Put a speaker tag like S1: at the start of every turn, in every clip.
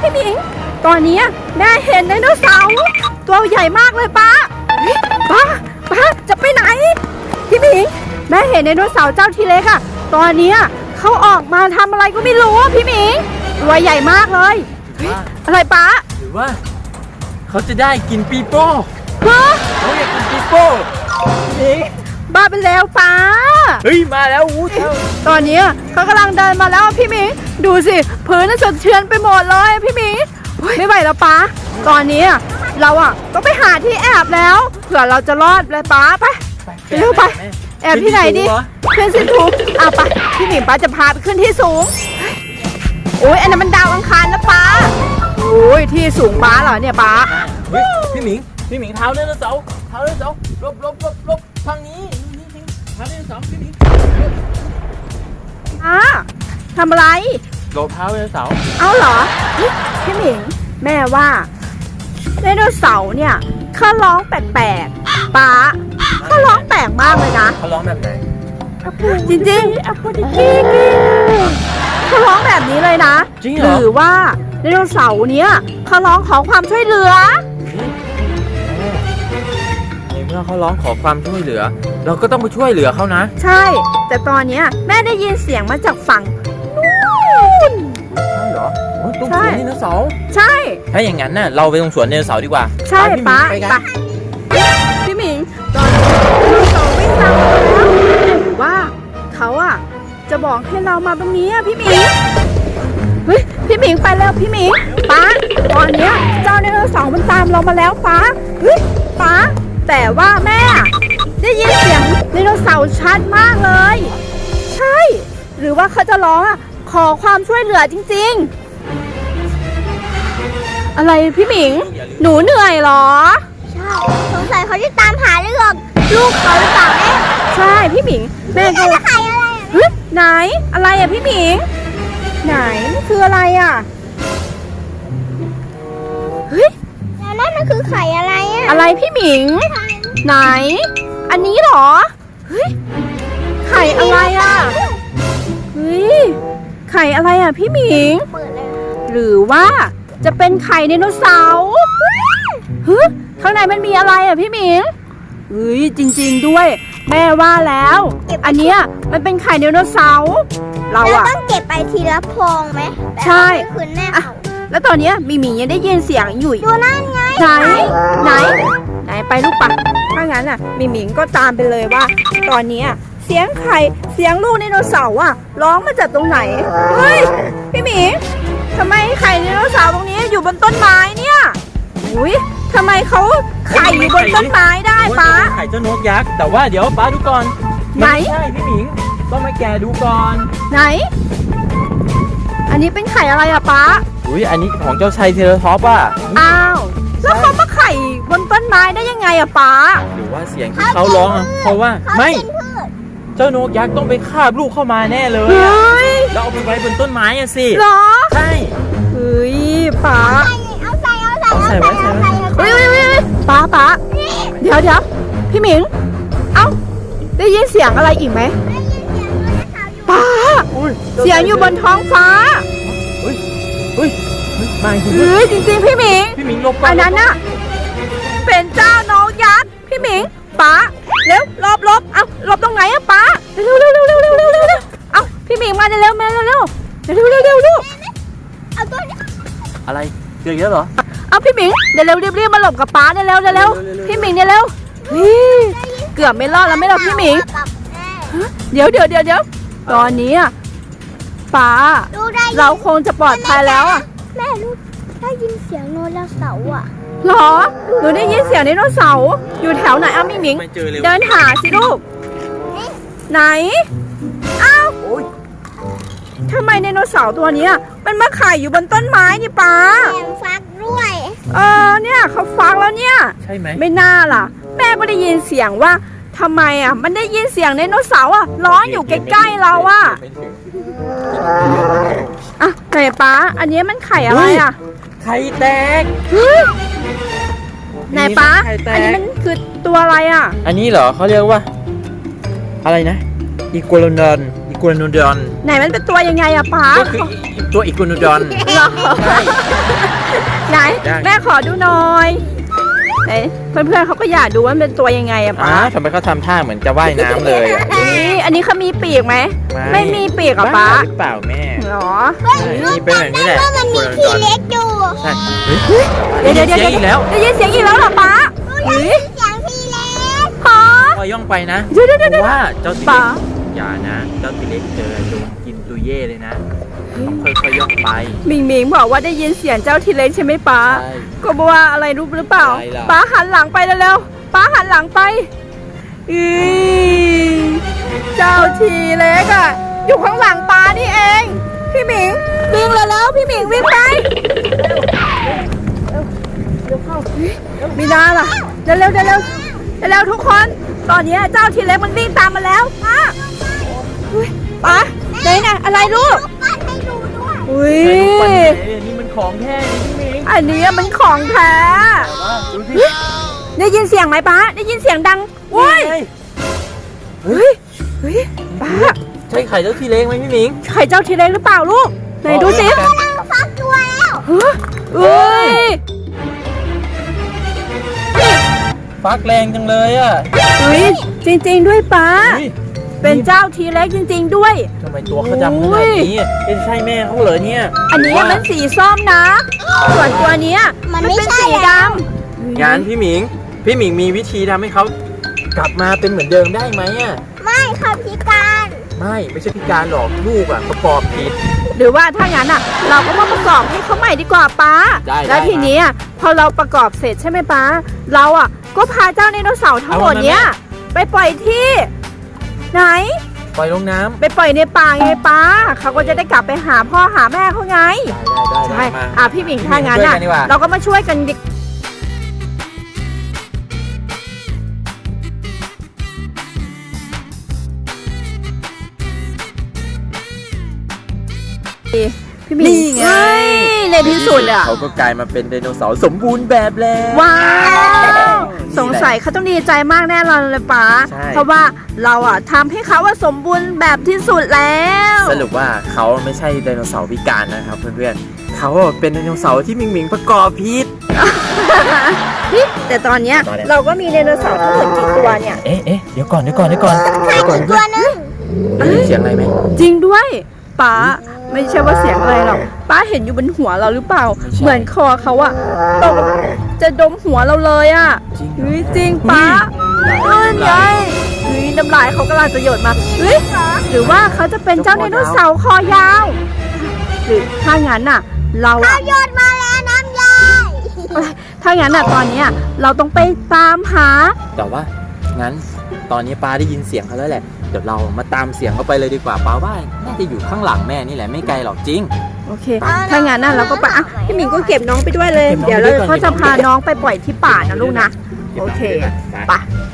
S1: พี่หมิงตอนนี้แม่เห็นไดโนเสาร์ตัวใหญ่มากเลยป้าป้าจะไปไหนพี่หมิงแม่เห็นไดโนเสาร์เจ้าทีเล็กอะตอนนี้เขาออกมาทำอะไรก็ไม่รู้พี่หมิงตัวใหญ่มากเลยอะไรป้า
S2: หรือว่าเขาจะได้กินปีโป้
S1: ฮะ
S2: เขาอยากกินปีโป้นี่
S1: บ้าไปแล้วป้า
S2: เฮ้ยมาแล้วอู้เจ้า
S1: ตอนนี้เขากำลังเดินมาแล้วพี่หมิงดูสิพื้นน่ะสะเทือนไปหมดเลยพี่หมิงไม่ไหวแล้วป้าตอนนี้เราต้องไปหาที่แอบแล้วเผื่อเราจะรอดเลยป้าไปเร็วไปแอบที่ไหนดิขึ้นที่สูงไปพี่หมิงป้าจะพาไปขึ้นที่สูงโอ้ยอันนั้นมันดาวอังคารนะป้าโอ้ยที่สูงป้าเหรอเนี่ยป้า
S2: พี่หมิงเท้าไดโนเสาร์ลบทางนี้เท้าไดโนเสาร์พี่หมิง
S1: ทำอะไร
S2: ลบเท้าไดโนเสาร์
S1: เอาเหรอพี่หมิงแม่ว่าไดโนเสาร์เนี่ยเขาร้องแปลกๆป้าเขาร้องแปลกมากเลยนะ
S2: เขาร้องแบบไหน
S1: จริงเขาร้องแบบนี้เลยนะหรือว่าไดโนเสาร์เนี้ยเขาร้องขอความช่วยเหลือ
S2: ในเมื่อเขาร้องขอความช่วยเหลือเราก็ต้องไปช่วยเหลือเขานะ
S1: ใช่แต่ตอนนี้แม่ได้ยินเสียงมาจากฝั่งนู่น
S2: ใช่เหรอตรงสวนไดโนเสาร์
S1: ใช่
S2: ถ้าอย่างนั้นน่ะเราไปตรงสวนไดโนเสาร์ดีกว่า
S1: ใช่ป้าพี่หมิงตอนนี้ไดโนเสาร์วิ่งตามมาแล้วว่าเขาจะบอกให้เรามาตรงนี้พี่หมิงเฮ้ยพี่หมิงไปแล้วพี่หมิงป้าตอนนี้เจ้าไดโนเสาร์มันตามเรามาแล้วป้าเฮ้ยป้าแต่ว่าแม่ได้ยินเสียงไดโนเสาร์ชัดมากเลยใช่หรือว่าเขาจะร้องขอความช่วยเหลือจริงๆอะไรพี่หมิงหนูเหนื่อยเหรอ
S3: ใช่สงสัยเขาจะตามหาลูกเขาหรือเปล่าแม่
S1: ใช่พี่หมิงแม่
S3: ก็ไข่อะไร
S1: ไหนอะไรพี่หมิงไหนมันคืออะไรเฮ้ย
S3: แล้วนั่นมันคือไข่อะไร
S1: อะไรพี่หมิงไหนอันนี้เหรอเฮ้ยไข่อะไรเฮ้ยไข่อะไรพี่หมิงหรือว่าจะเป็นไข่ไดโนเสาร์ข้างในมันมีอะไรพี่หมิงเฮ้ยจริงๆด้วยแม่ว่าแล้วอันเนี้ยมันเป็นไข่ไดโนเสาร์เรา
S3: ต้องเก็บไปทีละพองไหม
S1: ใช่
S3: คืนแม่เขา
S1: แล้วตอนนี้มีหมียังได้ยินเสียงอยู่
S3: ดูนั่นไง
S1: ไหนไปลูกปะถ้างั้นมีหมิงก็ตามไปเลยว่าตอนนี้เสียงไข่เสียงลูกไดโนเสาร์ร้องมาจากตรงไหนเฮ้ยพี่หมิงทำไมไข่ไดโนเสาร์ตรงนี้อยู่บนต้นไม้เนี่ยอุ้ยทำไมเขาไข่อยู่บนต้นไม้ได้ป้า
S2: ไข่เจ้านกยักษ์แต่ว่าเดี๋ยวป้าดูก่อน
S1: ไหน
S2: ใช่พี่หมิงต้องมาแกะดูก่อน
S1: ไหนอันนี้เป็นไข่อะไรป้า
S2: อุ้ยอันนี้ของเจ้าชายเทเลท็อป
S1: อ้าวแล้วเขามาไข่บนต้นไม้ได้ยังไงป้า
S2: หรือว่าเสียงที่เขาร้องเพราะว่าไม่เจ้านกยักษ์ต้องไปคาบลูกเข้ามาแน่เลยแล้วเอาไปไว้บนต้นไม้สิ
S1: หรอ
S2: ใช่
S1: เฮ้ยป้า
S2: ใส่ไว้
S1: เฮ้ยป้าเดี๋ยวพี่หมิงเอ้าได้ยินเสียงอะไรอีกไหมป้าเสียงอยู่บนท้องฟ้า
S2: มา
S1: จริงๆพี่หมิง
S2: ลบก่อน
S1: อันนั้นเป็นเจ้าน้องยักษ์พี่หมิงป้าเร็วลบเอ้าลบตรงไหนป้าเร็วเอ้าพี่หมิงมาเร็ว
S3: เอาตัวนี้
S2: อะไรเจอเยอะเหรอ
S1: เอาพี่หมิงเดี๋ยวรีบมาหลบกับป้าเร็วพี่หมิงเร็วเกือบไม่รอดแล้วไม่รอดพี่หมิงเดี๋ยวตอนนี้ป้าเราคงจะปลอดภัยแล้ว
S3: แม่ลูกได้ยินเสียงไดโนเสาร์
S1: หรอหนูได้ยินเสียงไดโนเสาร์อยู่แถวไหนพี่หมิงเดินหาสิลูกไหนอ้าวทำไมไดโนเสาร์ตัวนี้มันมาไข่อยู่บนต้นไม้นี่ป้า
S3: แถมฟักด้วย
S1: เนี่ยเขาฟักแล้วเนี่ย
S2: ใช่ไหม
S1: ไม่น่าล่ะแม่ก็ได้ยินเสียงว่าทำไมมันได้ยินเสียงไดโนเสาร์ร้องอยู่ใกล้ๆเราไหนป้าอันนี้มันไข่อะไร
S2: ไข่แตก
S1: ไหนป้าอันนี้มันคือตัวอะไร
S2: อันนี้เหรอเขาเรียกว่าอะไรนะอีกัวโลนอนอีกัวโนดอน
S1: ไหนมันเป็นตัวยังไงอะป้า
S2: ก็คือตัวอีกัวโนดอน
S1: เหรอ
S2: ใช่
S1: ไหน
S2: ได้
S1: แม่ขอดูหน่อยไหนเพื่อนๆเขาก็อยากดูว่ามันเป็นตัวยังไงอะป้า
S2: ทำไมเขาทำท่าเหมือนจะว่ายน้ำเลยอะ
S1: อันนี้เขามีปีกไหมไม่มีปีกอะป้า
S2: หรือเปล่าแม่
S1: เหรอ
S2: นี่เป็นแบบนี้แหละ
S3: ว่ามันมีทีเล็กอยู่
S2: ใช่เฮ้ย
S1: เดี๋ยว
S2: ได้ยินเสียงอีกแล้ว
S1: ได้ยินเสียงอีกแล้วเหรอป้าเฮ้ย
S3: เสียงทีเล็ก
S1: ป้า
S2: พอย่องไปนะ
S1: เดี๋ยว
S2: เพราะว่าเจ้าทีเล็
S1: ป้า
S2: กอย่านะ เจ้าทีเล็กเจอโดนกินตุยเย่เลยนะต้องค่อยๆย่องไป
S1: หมิงหมิงบอกว่าได้ยินเสียงเจ้าทีเล็กใช่ไหมป้า
S2: ใช่
S1: ก็บอกว่าอะไรรู้หรือเปล่า
S2: อะไรล่ะ
S1: ป้าหันหลังไปเร็วๆป้าหันหลังไปเจ้าทีเล็กอะอยู่ข้างหลังป้านี่เอง พี่หมิงวิ่งแล้วพี่หมิงวิ่งไปมีนาล่ะเร็วทุกคน ตอนนี้เจ้าทีเล็กมันวิ่งตามมาแล้วป้าอุ๊ยป้าไหนน่ะอะไรลูก
S3: ปั้นให้ดูด้วย
S1: อุ้ย
S2: ใช่นี่มันของแท้นี่พี่หมิง
S1: อันนี้มันของแท้
S2: ดูสิ
S1: ได้ยินเสียงไหมป้าได้ยินเสียงดังโว้ย
S2: นี่ไง
S1: เฮ้ยป้า
S2: ใช่ไข่เจ้าทีเล็กไหมพี่หมิง
S1: ไข่เจ้าทีเล็กหรือเปล่าลูกไหนดูสิ
S3: กำลังฟักตัวแล้ว
S1: ฮะเอ้ย
S2: ฟักแรงจังเลยอ่ะ
S1: เฮ้ยจริงๆด้วยป้า
S2: อุ๊ย
S1: เป็นเจ้าทีเล็กจริง ๆด้วย
S2: ทำไมตัวเขาดำขนาดนี้เป็นใช่แม่เขาเหรอเนี่ย
S1: อันนี้มันสีส้มนะ ส่วนตัวเนี้ยมันเป็นสีดำ
S2: งานพี่หมิงมีวิธีทำให้เขากลับมาเป็นเหมือนเดิมได้ไหมอ่ะ
S3: ไม่ค่ะพิการ
S2: ไม่ใช่พิการหรอกลูกอ่ะประกอบผิด
S1: หรือว่าถ้างั้นอ่ะ เราก็มาประกอบให้เขาใหม่ดีกว่าป้า
S2: ได้
S1: แล้วทีนี้อะพอเราประกอบเสร็จใช่ไหมป้า เราอ่ะก็พาเจ้าไดโนเสาร์ทั้งหมดเนี้ยไปปล่อยที่ ไหน
S2: ปล่อยลงน้ำ
S1: ไปปล่อยในป่าไงป้า เขาก็จะได้กลับไปหาพ่อหาแม่เขาไง
S2: ได้
S1: ใช่
S2: มา
S1: พี่หมิงถ้างั้น
S2: ช่วย
S1: อ่ะ
S2: กันดีกว่า
S1: เราก็มาช่วยกันดิพี่หมิง
S2: นี่ไง
S1: เฮ้ยในที่สุดอ่ะ
S2: เขาก็กลายมาเป็นไดโนเสาร์สมบูรณ์แบบแล้ว
S1: ว้าว
S2: นี่
S1: สงสัยเขาต้องดีใจมากแน่นอนเลยป้า
S2: ใช่
S1: เพราะว่าเราอ่ะทำให้เขาว่าสมบูรณ์แบบที่สุดแล้ว
S2: สรุปว่าเขาไม่ใช่ไดโนเสาร์พิการนะครับเพื่อนๆเขาเป็นไดโนเสาร์ที่หมิงประกอบผิด
S1: แต่ตอนเนี้ยเราก็มีไดโนเสาร์ทั้งหมดกี่ตัวเนี่ย
S2: เอ๊ะเดี๋ยวก่อน
S3: ตัวนึง
S2: ได้ยินเสียงอะไรไหม
S1: จริงด้วยป้าไม่ใช่ว่าเสียงอะไรหรอกป้าเห็นอยู่บนหัวเราหรือเปล่า
S2: ไม่ใช่
S1: เหมือนคอเขาอะตกจะดมหัวเราเลยอะ
S2: จริงเหรอ
S1: เฮ้ยจริงป้าเอ้ยไงเฮ้ยน้ำลายเขากำลังจะหยดมาเฮ้ยหรือว่าเขาจะเป็นเจ้าไดโนเสาร์คอยาว หรือถ้างั้นน่ะ เราอะ
S3: โยนมาแล้วน้ำยาย
S1: ถ้างั้นน่ะตอนเนี้ยเราต้องไปตามหา
S2: แต่ว่างั้นตอนนี้ป้าได้ยินเสียงเขาแล้วแหละเดี๋ยวเรามาตามเสียงเขาไปเลยดีกว่าป้าว่าน่าจะอยู่ข้างหลังแม่นี่แหละไม่ไกลหรอกจริง
S1: โอเค ถ้างั้นน่ะเราก็ไปอ่ะพี่หมิงก็เก็บน้องไปด้วยเลย
S2: เก็บน้อง
S1: เดี๋ยว
S2: ไป
S1: เรา
S2: ด้วยก่อน
S1: ก็จะพาน้องไปปล่อยที่ป่านะลูกนะ โอเค ไป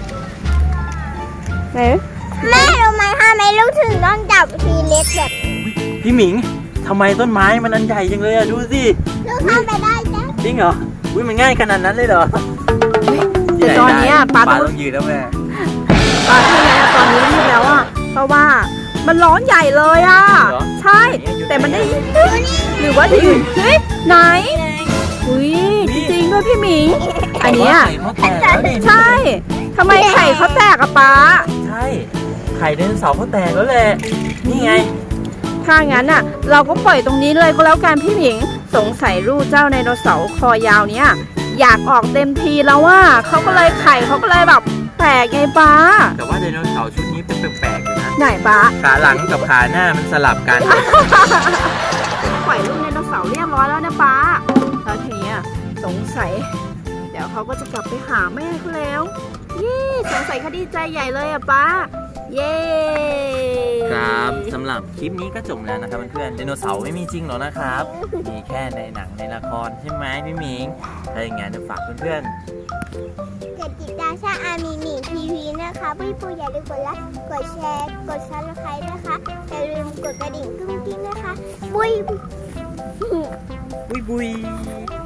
S1: ไหน
S3: แม่รู้ไหมทำไมลูกถึงต้องจับทีเล็กแบบนี้
S2: พี่หมิงทำไมต้นไม้มันอันใหญ่จังเลยอะดูสิ
S3: ลูกทำไปได้จ้ะ
S2: จริงเหรออุ้ยมันง่ายขนาดนั้นเลยเหรอ
S1: แต่ตอนเนี้ยป้า
S2: ป้า
S1: ต้
S2: ต้
S1: อ
S2: อง งยืนแล้วแม่
S1: ป้าที่ไหนอะตอนนี้รีบแล้วอ่ะ เพราะว่ามันร้อนใหญ่เลยอ่ะ ใช่ แต่มันได้หรือว่าจะอยู่เฮ้ยไหนอุ้ยจริงๆด้วยพี่หมิง อันเนี้ย
S2: ไข่เขาแตกแล้วนี่
S1: ใช่ทำไมไข่เขาแตกอะป้า
S2: ใช่ไข่ไดโนเสาร์เขาแตกแล้วแหละนี่ไง
S1: ถ้างั้นน่ะ เราก็ปล่อยตรงนี้เลยก็แล้วกันพี่หมิง สงสัยลูกเจ้าไดโนเสาร์คอยาวเนี้ยอยากออกเต็มทีแล้วว่าเขาก็เลยไข่เขาก็เลยแบบแตกไงป้า
S2: แต่ว่าไดโนเสาร์ชุดนี้เป็นแปลกๆอยู่นะ
S1: ไหนป้า
S2: ขาหลังกับขาหน้ามันสลับกัน
S1: ปล่อยลูกไดโนเสาร์เรียบร้อยแล้วนะป้าแล้วทีเนี้ยสงสัย เดี๋ยวเขาก็จะกลับไปหาแม่เขาแล้วยี่สงสัยเขาดีใจใหญ่เลยอะป้า เย้
S2: ครับสำหรับคลิปนี้ก็จบแล้วนะครับเพื่อนๆไดโนเสาร์ไม่มีจริงหรอกนะครับ มีแค่ในหนังในละครใช่ไหมพี่หมิงถ้าอย่างงั้นฝากเพื่อน
S3: กดติดตามช่องอามีมีทีวีนะคะพี่ปูอย่าลืมกดไลค์กดแชร์กดซับสไครต์นะคะอย่าลืมกดกระดิ่งกุ้งกิ้งนะคะบุย
S2: ๆบุย